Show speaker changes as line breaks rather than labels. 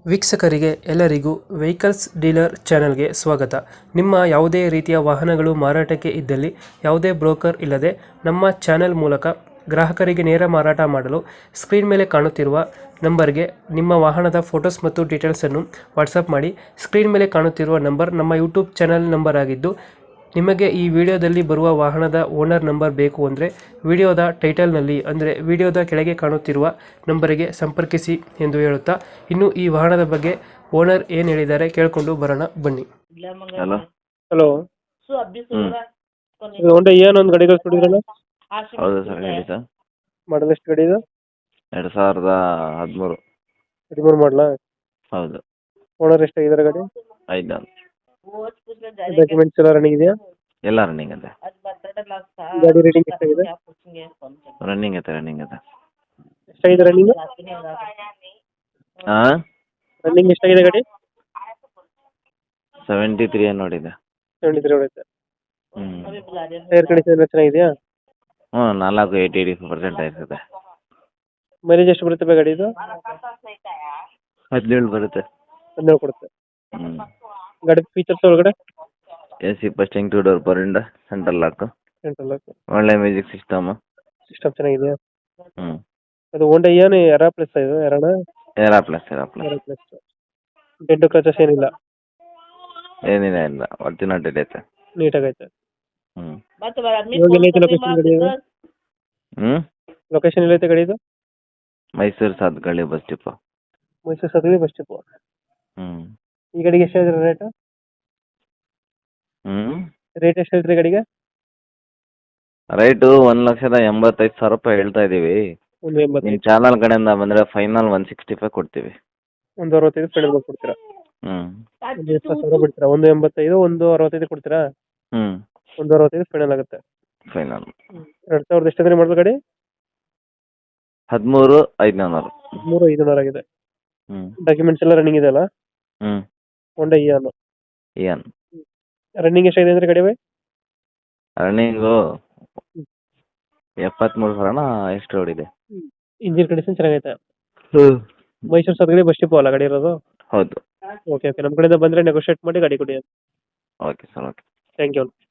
ವೀಕ್ಷಕರಿಗೆ ಎಲ್ಲರಿಗೂ vehicles dealer ಚಾನೆಲ್ಗೆ ಸ್ವಾಗತ. ನಿಮ್ಮ ಯಾವುದೇ ರೀತಿಯ ವಾಹನಗಳು ಮಾರಾಟಕ್ಕೆ ಇದ್ದಲ್ಲಿ ಯಾವುದೇ ಬ್ರೋಕರ್ ಇಲ್ಲದೆ ನಮ್ಮ ಚಾನೆಲ್ ಮೂಲಕ ಗ್ರಾಹಕರಿಗೆ ನೇರ ಮಾರಾಟ ಮಾಡಲು ಸ್ಕ್ರೀನ್ ಮೇಲೆ ಕಾಣುತ್ತಿರುವ ನಂಬರ್ಗೆ ನಿಮ್ಮ ವಾಹನದ ಫೋಟೋಸ್ ಮತ್ತು ಡೀಟೇಲ್ಸನ್ನು ವಾಟ್ಸಪ್ ಮಾಡಿ. ಸ್ಕ್ರೀನ್ ಮೇಲೆ ಕಾಣುತ್ತಿರುವ ನಂಬರ್ ನಮ್ಮ ಯೂಟ್ಯೂಬ್ ಚಾನೆಲ್ ನಂಬರ್ ಆಗಿದ್ದು, ನಿಮಗೆ ಈ ವಿಡಿಯೋದಲ್ಲಿ ಬರುವ ವಾಹನದ ಓನರ್ ನಂಬರ್ ಬೇಕು ಅಂದರೆ ವಿಡಿಯೋದ ಟೈಟಲ್ನಲ್ಲಿ ಅಂದರೆ ವಿಡಿಯೋದ ಕೆಳಗೆ ಕಾಣುತ್ತಿರುವ ನಂಬರಿಗೆ ಸಂಪರ್ಕಿಸಿ ಎಂದು ಹೇಳುತ್ತಾ, ಇನ್ನು ಈ ವಾಹನದ ಬಗ್ಗೆ ಓನರ್ ಏನು ಹೇಳಿದ್ದಾರೆ ಕೇಳಿಕೊಂಡು ಬರೋಣ ಬನ್ನಿ.
ಹಲೋ.
ಹಲೋ,
ಹ್ಮ್
ಹೋಂಡಾ ಏನು ಒಂದು ಗಾಡಿ ಕಳಿಸ್ಕೊಡಿದ್ರಲ್ಲ,
ಹೌದು ಸರ್, ಹೇಳಿ ಸರ್.
ಮಾಡಲ್ ಎಷ್ಟು ಗಾಡಿ ಇದು?
2013.
13 ಮಾಡಲ.
ಹೌದು,
ಓನರ್ ಎಷ್ಟಾಗಿದ್ದಾರೆ ಗಾಡಿ?
5 ನಾನು.
ಡಾಕ್ಯುಮೆಂಟ್ಸ್ ಎಲ್ಲ ರನ್ನಿಂಗ್ ಇದೆಯಾ?
ಎಲ್ಲ ರನ್ನಿಂಗ್ ಇದೆ.
ಗಾಡಿ ರೇಟಿಂಗ್ ಎಷ್ಟಾಗಿದೆ?
ರನ್ನಿಂಗ್ ಇದೆ.
ಎಷ್ಟಾಗಿದೆ ರನ್ನಿಂಗ್?
ಹಾಂ,
ರನ್ನಿಂಗ್ ಎಷ್ಟಾಗಿದೆ ಗಾಡಿ?
73 ನೋಡಿದೆ.
73 ಹೊಡೆಯುತ್ತೆ.
ಹ್ಞೂ
ಟೈರ್ ಕಂಡೀಷನ್ ಎಲ್ಲ ಚೆನ್ನಾಗಿದೆಯಾ?
ಹ್ಞೂ 80% ಆಯ್ತದೆ.
ಮೈಲೇಜ್ ಎಷ್ಟು ಬರುತ್ತೆ ಗಾಡಿ ಇದು?
17 ಬರುತ್ತೆ.
12 ಕೊಡುತ್ತೆ.
ಹ್ಞೂ
ಗಾಡಿ ಫೀಚರ್ಸ್ ಒಳಗಡೆ?
AC ಫಸ್ಟಿಂಗ್ 2 door power window, central lock,
central lock,
ಒಳ್ಳೆ ಮ್ಯೂಸಿಕ್ ಸಿಸ್ಟಮ್.
ಸಿಸ್ಟಮ್ ಚೆನ್ನಾಗಿದೆಯಾ?
ಹ್ಞೂ
ಅದು ಹೋಂಡಾ ಏನು ಎರಾ ಪ್ಲಸ್ ಇದು ಎರಡ?
Era plus.
Era plus. Dent scratches ಏನಿಲ್ಲ?
ಏನಿಲ್ಲ, ಇಲ್ಲ ಒರಿಜಿನಲ್ ಡೇಟ್ ಐತೆ.
ನೀಟಾಗೈತೆ.
ಹ್ಞೂ
ಇವಾಗ ಎಲ್ಲೈತೆ ಲೊಕೇಶನ್ ಗಾಡಿ ಇದು?
ಹ್ಞೂ
ಲೊಕೇಶನ್ ಎಲ್ಲೈತೆ ಗಾಡಿ ಇದು?
Mysuru Sathagalli bus depot.
Mysuru Sathagalli bus depot.
ಹ್ಞೂ
ಈ ಗಾಡಿಗೆ ಎಷ್ಟು ಹೇಳಿದ್ರಿ ರೇಟ್?
ಹ್ಞೂ
ರೇಟ್ ಎಷ್ಟು ಹೇಳ್ತೀರಿ ಗಾಡಿಗೆ?
ರೈಟು 1,85,000 ರೂಪಾಯಿ ಹೇಳ್ತಾ ಇದ್ದೀವಿ.
ಒಂದು 85.
ನಿಮ್ಮ ಚಾನಲ್ ಕಡೆಯಿಂದ ಬಂದರೆ ಫೈನಲ್ 165 ಕೊಡ್ತೀವಿ.
ಒಂದು 65 ಫೈನಲ್ ಕೊಡ್ತೀರಾ?
ಹ್ಞೂ
ಒಂದು 20,000 ಬಿಡ್ತೀರಾ? ಒಂದು 85, ಒಂದು 65 ಕೊಡ್ತೀರಾ?
ಹ್ಞೂ
ಒಂದು 65 ಫೈನಲ್ ಆಗುತ್ತೆ.
ಫೈನಲ್.
2000 ಎಷ್ಟು ಅಂದ್ರೆ ಮಾಡಿದ ಗಾಡಿ?
13,500.
13,500 ಆಗಿದೆ.
ಹ್ಞೂ
ಡಾಕ್ಯುಮೆಂಟ್ಸ್ ಎಲ್ಲ ರನ್ನಿಂಗ್ ಇದೆ ಅಲ್ಲ?
ಹ್ಞೂ
ಹೋಂಡಾ ಇಯಾನು
ಏನು
ರನ್ನಿಂಗ್ ಎಷ್ಟಾಗಿದೆ ಅಂದ್ರೆ ಗಾಡಿ?
ರನ್ನಿಂಗು 73,000 ಎಷ್ಟು ಓಡಿದೆ.
ಇಂಜಿನ್ ಕಂಡೀಷನ್ ಚೆನ್ನಾಗೈತೆ.
ಹ್ಞೂ
ಮೈಸೂರು ಸದ್ಗಳಿ ಬಸ್ ಡಿಪೋ ಅಲ್ಲ ಗಾಡಿ ಇರೋದು?
ಹೌದು.
ಓಕೆ, ನಮ್ಮ ಕಡೆಯಿಂದ ಬಂದರೆ ನೆಗೋಷಿಯೇಟ್ ಮಾಡಿ ಗಾಡಿ ಕೊಡಿ.
Okay sir, okay.
Thank you.